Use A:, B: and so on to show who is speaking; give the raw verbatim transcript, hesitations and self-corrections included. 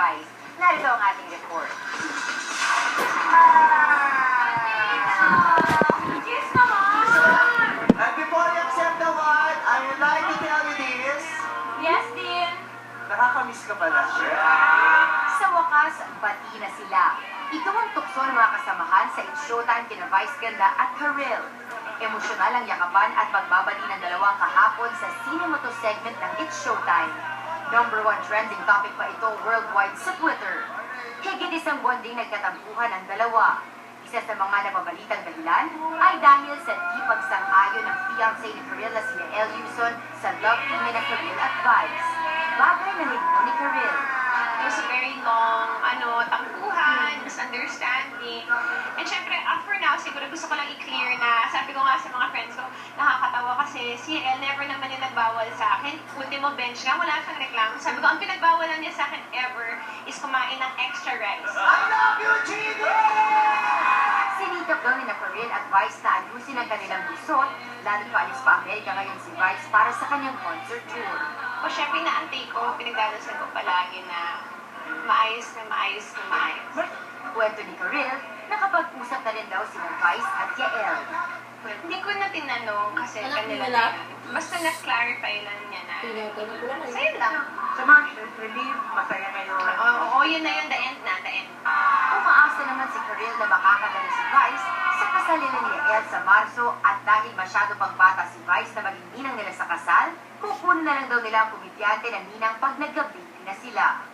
A: Vice. Narito ang ating report. Cheers naman!
B: And before you accept the award, I would like to tell you this.
A: Yes, Dean.
B: Nakakamiss ka pala.
A: Sa wakas, bati na sila. Ito ang tukso ng mga kasamahan sa It's Showtime kina Vice Ganda at Karil. Emosyonal ang yakapan at pagbabati ng dalawa kahapon sa Cinemoto segment ng It's Showtime. Number one trending topic pa ito worldwide sa Twitter. Higit isang buwan ding nagkatampuhan ang dalawa. Isa sa mga nababalitang dahilan ay dahil sa di pagsang-ayon ng fiancé ni Karil na si Yael Yuson sa love team ni na Karil at Vice. Bagay na nilino ni Karil.
C: It was a very long, ano, tampuhan, misunderstanding. And syempre, uh, for now, siguro gusto ko lang i-clear na, sabi ko nga sa mga friends ko, nakakatawa kasi si El never naman yung nagbawal sa akin. Ultimo bench nga, wala siyang reklamo. Sabi ko, ang pinagbawalan niya sa akin ever is kumain ng extra rice.
B: I love you, Gigi!
A: Sinikap daw ni na Karil at Vice na ayusin ang kanilang gusot, lalo't paalis pa Amerika ngayon si Vice para sa kanyang concert tour.
C: O syempre, naantay ko, pinagdadasal ko palagi na maayos na maayos na maayos.
A: Kwento ni Karil, nakapag-usap na rin daw sina Vice at Yael.
C: Hindi ko na tinanong kasi
D: Anak,
C: kanila
D: wala.
C: na yun. Basta na-clarify lang niya na.
D: Tinatanong ko lang. eh.
C: Sa'yo lang.
B: Sa mga relief, masaya kayo.
C: Oo, oh, yun na yun, the end na, the end.
A: Umaasa naman si Karil na makakadala si Vice sa kasal nila ni Yael sa Marso at dahil masyado pang bata si Vice na maging ninang nila sa kasal, kukunin na lang daw nila ang komedyante na ninang pag nag-baby na sila.